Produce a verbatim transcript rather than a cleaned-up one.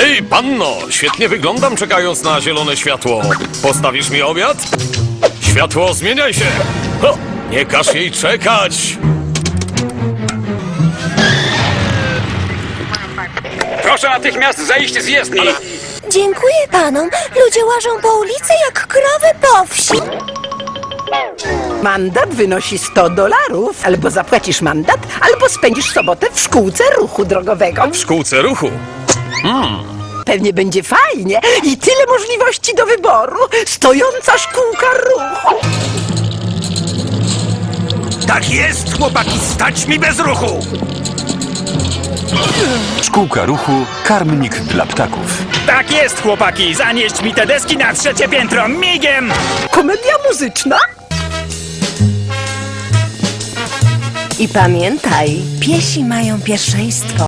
Hej, panno! Świetnie wyglądam, czekając na zielone światło. Postawisz mi obiad? Światło, zmieniaj się! Ho, nie każ jej czekać! Proszę natychmiast zejść z jezdni! Ale... Dziękuję panom. Ludzie łażą po ulicy jak krowy po wsi. Mandat wynosi sto dolarów. Albo zapłacisz mandat, albo spędzisz sobotę w szkółce ruchu drogowego. W szkółce ruchu. Pewnie będzie fajnie i tyle możliwości do wyboru. Stojąca szkółka ruchu. Tak jest, chłopaki, stać mi bez ruchu! Szkółka ruchu, karmnik dla ptaków. Tak jest, chłopaki! Zanieść mi te deski na trzecie piętro, migiem! Komedia muzyczna? I pamiętaj, piesi mają pierwszeństwo.